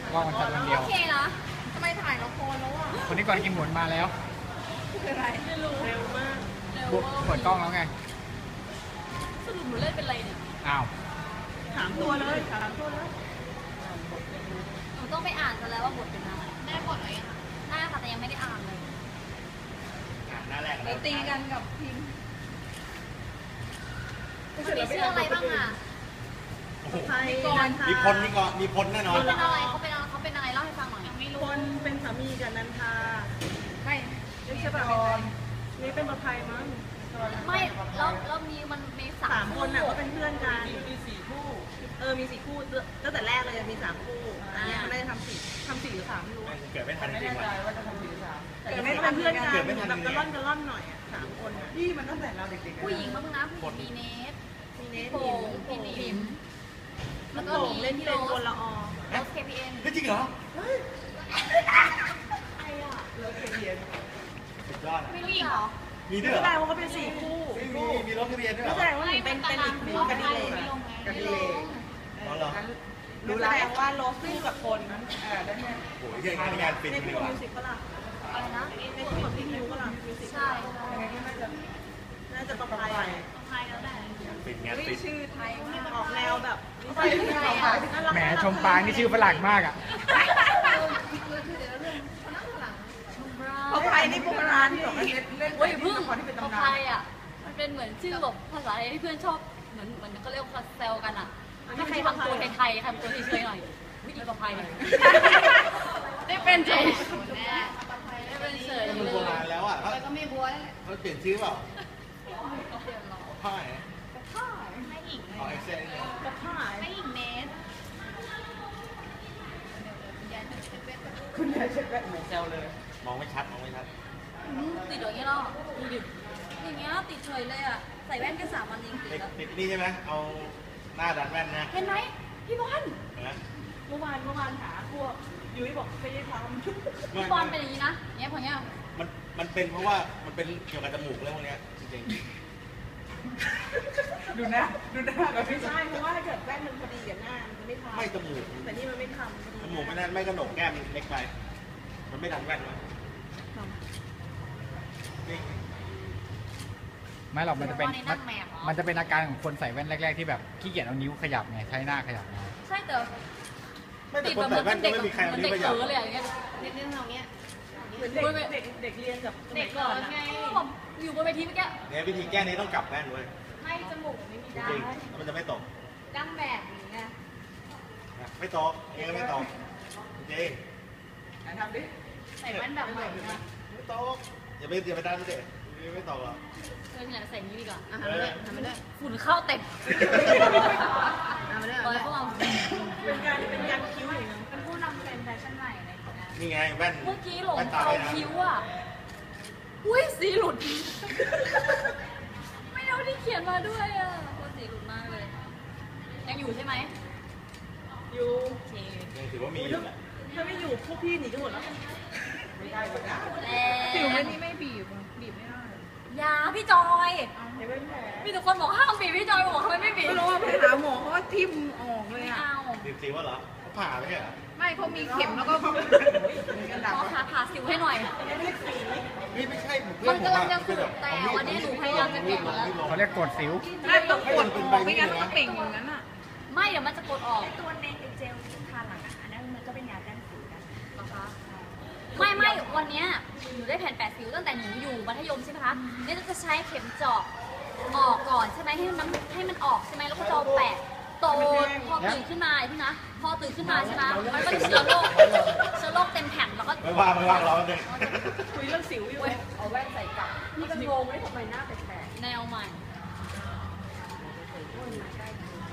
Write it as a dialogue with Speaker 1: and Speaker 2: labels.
Speaker 1: ว่ามันจัดคนเดียว
Speaker 2: โอเคนะ
Speaker 3: ทำไมถ่ายละครแล้วอ่ะ
Speaker 1: คนนี้ก่อนกินหมุนมาแล้ว
Speaker 3: คืออะไรไม่รู้เร็วมาก
Speaker 1: เปิดกล้องแล้วไง
Speaker 2: สรุปหนูเล่นเป็นอะไรเนี่ย
Speaker 1: อ้าว
Speaker 3: ถามตัวเลยถามตัวเลย
Speaker 2: หนูต้องไปอ่านซะแล้วว่าบทเป็นอะไรได้บทอะไรอ่ะได้ค่ะแต่ยังไม่ได้อ่านเลย
Speaker 1: หน้าแรก
Speaker 3: ไปตีกันกับพิมพ์
Speaker 2: มันมีชื่ออะไรบ้างอ่ะ
Speaker 3: ไทยนันทา
Speaker 4: มีพลแน่นอน
Speaker 2: เขาเป็นอะไรเขาเป็นอะไรเล่าให้ฟังหน่อยยังไม่รู้
Speaker 3: คนเป็นสามีกับนันทาไม่ใช่ป่ะนี่เป็นประภัยมั้ง
Speaker 2: ไม่แล้วมีสา
Speaker 3: สาม ม
Speaker 2: ค
Speaker 3: คน
Speaker 2: น
Speaker 3: น่ะ
Speaker 2: อ่ะ
Speaker 3: ก็เป็นเพื่อนกันมี4 คู่มี4 คู่ตั้งแต่แรกเลยมี3 คู่อันนี้เขาได้ทำ4หรือ3ไม่รู้
Speaker 4: เกิดไม่ทันจริงว่ะ
Speaker 3: แต่ไม่เป็นเพื่อนกันแบบกระล่อนหน่อยอ่ะ3 คนนี่มันตั้งแต่เราเด็กๆ
Speaker 2: ผู้หญิงบ้างนะผู้หญิงมีเนส
Speaker 3: มีเน
Speaker 2: พี่
Speaker 3: ส
Speaker 2: โป่งพี่หนิม
Speaker 3: แล้วก็เล่นที่เป็นคนละออ
Speaker 2: โรส KPN
Speaker 4: จริงเหรอ
Speaker 2: ใครอ่ะ
Speaker 4: สุดยอดอ่ะ
Speaker 2: ไม่รู้อีกเหรอ
Speaker 4: มีด้วย
Speaker 3: แส
Speaker 4: เหร
Speaker 3: ด
Speaker 4: อง
Speaker 3: ว่าเขาเป็น4 คู่
Speaker 4: มีรถทะเบียนด้วยเหร
Speaker 3: ก็
Speaker 4: อ
Speaker 3: แสดงว่าเป็นอีกหนึ่งคดีเลยคดีเลย
Speaker 4: อ๋อเหรอ
Speaker 3: รู้แล้วว่าโรสคู่กับคนได้ไหม
Speaker 4: โอ้ยยังงานปิด
Speaker 3: ใน
Speaker 4: ดี
Speaker 3: คู่
Speaker 4: กว่า
Speaker 3: มิวสิกก็ล่ะ
Speaker 2: อะไรนะ
Speaker 3: ในคู่กับพี่มิวก็ล่ะมิวสิก
Speaker 2: ใช่
Speaker 3: น่าจะประภัย
Speaker 2: ใครแล้วได้
Speaker 4: ปิดงานปิด
Speaker 3: ชื่อไทยออกแนวแบบ
Speaker 1: แหมชมปางนี่ชื่อฝรั่งมากอ่ะ
Speaker 3: ประภัยนี่โบราณที่บอกว่าเล่น
Speaker 2: โอ้ยพึ่ง
Speaker 3: ละครที่เป็น
Speaker 2: เขา
Speaker 3: ตำนา
Speaker 2: ใคร
Speaker 3: น
Speaker 2: อ่ะมันเป็นเหมือนชื่อแบบภาษาไทยที่เพื่อนชอบเหมือนเขาเรียกว่าแซวกันอ่ะถ้าใครทำตัวไทยๆทำตัวเฉยๆหน่อยวิธีประภัยได้เป็นเฉยได้เป็นเฉย
Speaker 4: มันโบราณแล้วอ่ะ
Speaker 2: แล้วก็มีบัวนั่นแหละ
Speaker 4: เขาเปลี่ยนชื่อเปล่า
Speaker 2: เดี๋ยวรอ
Speaker 4: พ่าย
Speaker 2: พ่อไม่หญิง
Speaker 4: เอาเอ็กเซนเนี่ย
Speaker 3: กระพ่าย
Speaker 2: ไม่หญิงเนส
Speaker 3: คุณยายเช็คแบบเหมือนแซวเลย
Speaker 4: มองไม่ชัดมองไม่ชัด
Speaker 2: ติดอย่างเงี้ยเนาะดูดิอย่างเงี้ยติดเฉยเลยอ่ะใส่แว่นแค่3 วันเองติดแล้ว
Speaker 4: ติดนี่ใช่ไหมเอาหน้าดันแว่นนะ
Speaker 2: เห็นไหมพี่บอล
Speaker 4: นะ
Speaker 3: เมื่อวานหาพวกยุ้ยบอกไม่ได้ทำ
Speaker 2: พี่บอลเป็นอย่างนี้นะเนี้ยพอเนี้ย
Speaker 4: มันเป็นเพราะว่ามันเป็นเกี่ยวกับจมูกเรื่องพวกเนี้ยจริง
Speaker 3: ดูหน้าแบบไม่ใช่เพราะว่าถ้าเกิดแว่นมันพอดีกับหน้ามันไม่ทำ
Speaker 4: ไม่จมูก
Speaker 3: แต่นี่มันไม่ทำ
Speaker 4: จมูกไม่นั่นไม่กระโหนกแก้มเล็กไป มันไม่ดันแว่นวะนี่
Speaker 1: ไม่หรอกมันจะเป็น
Speaker 2: พี่บอลในนั่งแมวเหรอ
Speaker 1: มันจะเป็นอาการของคนใส่แว่นแรกๆที่แบบขี้เกียจเอานิ้วขยับไงใช้หน้าขยับไง
Speaker 2: ใช่แต่
Speaker 4: ไม่แต่
Speaker 2: ติด
Speaker 4: คน
Speaker 2: แบบ
Speaker 4: ใส่
Speaker 2: เหมื
Speaker 4: แว่
Speaker 2: อน น
Speaker 4: ก็
Speaker 2: เด็ก
Speaker 4: ไม่มีใคร
Speaker 2: เห
Speaker 4: เอา
Speaker 2: มือน
Speaker 4: นิ้
Speaker 2: เด็
Speaker 4: ว
Speaker 2: ก
Speaker 4: ขยับ
Speaker 2: เออเลยอย่างเงี้ย
Speaker 3: เด็กเรียนกับ
Speaker 2: เด็กก่อนไงผมอยู่บนเวทีเมื่อกี้
Speaker 4: เนี่ยวิธีแก้นี้ต้องกลับแว่นเว้ย
Speaker 2: ให้จมูกไม่มี
Speaker 4: จ
Speaker 2: ด้
Speaker 4: ริงๆแล้วมันจะไม่ตก
Speaker 2: ดั้งแบบนี้ไง
Speaker 4: นะไม่ตกเองก็ไม่ตกจริง
Speaker 3: ทำดิ
Speaker 2: ใส่แว่นแบบใหม่นะ
Speaker 4: ไม่ตกอย่าไปดันเด็ไม่ตกหรอก
Speaker 2: เนี่ยใส่นี้ดีกว่า
Speaker 3: ทำไปด้วยทำไปด้วย
Speaker 2: ฝุ่นเข้าเต็ม
Speaker 3: ทำไปด้วย
Speaker 2: ตอนพวกเรา
Speaker 3: เป็นการคิ้วอย่างนึง
Speaker 2: เป็นผู้นำเทรนด์แฟชั่นใหม่เลยนะ
Speaker 4: นี่ไงแว่น
Speaker 2: เมื่อกี้หลง
Speaker 4: แว่นตา
Speaker 2: เอา
Speaker 4: ไปนะ
Speaker 2: คิ้วอ่ะ อุ้ยสีหลุด ไม่เอาที่เขียนมาด้วยอ่ะโคตรสีหลุดมากเลย ยังอยู่ใช่ไหม
Speaker 3: อยู่
Speaker 2: โอเค
Speaker 4: ยังถือว่ามีอยู่แหละ
Speaker 3: ถ้าไม่อยู่พวกพี่หนีกันหมดแล้ว
Speaker 2: แล้ว
Speaker 3: ผิวไม่นี่ไม่บีบไม่ได้
Speaker 2: ยาพี่จอย
Speaker 3: เดี๋ยวเป็นแผล
Speaker 2: มีแต่คนบอกห้ามบีบพี่จอยบอกทำไมไม่บีบ
Speaker 3: ไม่รู้ว่าไปหาหมอเขาว่าทิ่มออกเลย
Speaker 2: ไม่
Speaker 3: อ่ะ
Speaker 2: เอา
Speaker 4: สิวว่าเหรอเขาผ่าไม่ใช่เหรอ
Speaker 3: ไม่เขามีเข็มแล้วก็กันดับ
Speaker 2: ขอผ่าสิวให้หน่อย
Speaker 4: นี่ไม่ใช่ผม
Speaker 2: มันกำลังจะสุดแต่วันนี้หนูพยายามจะแกะแล้ว
Speaker 1: เขาเรียกกดสิว
Speaker 3: ไม่ต้องกดออกไม่งั้นมันก็เป่งอย่างนั้นอ่ะ
Speaker 2: ไม่เดี๋ยวมันจะกดออก
Speaker 5: ตัวเนเจลที่ทาหลังอ่ะอันนั้นมันก็เป็นยาแก้สิวนะ
Speaker 2: นะคะไม่วันเนี้ยหนูได้แผ่นแปะสิวตั้งแต่หนูอยู่มัธยมใช่ไหมคะเนี่ยจะใช้เข็มเจาะออกก่อนใช่ไหมให้มันออกใช่ไหมแล้วก็จะเอาแปะโตพอตื่นขึ้นมาพี่นะพอตื่นขึ้นมาใช่ไหมมันก็จะเชื้อโรคเต็มแผ่นแล้วก็
Speaker 4: ไม่ว่างเราเลย
Speaker 3: คุยเรื่องสิวอยู่
Speaker 5: เอาแว่นใส่กลับนี่ก็งงเลยทำไมหน้าแปลก
Speaker 2: แนวใหม่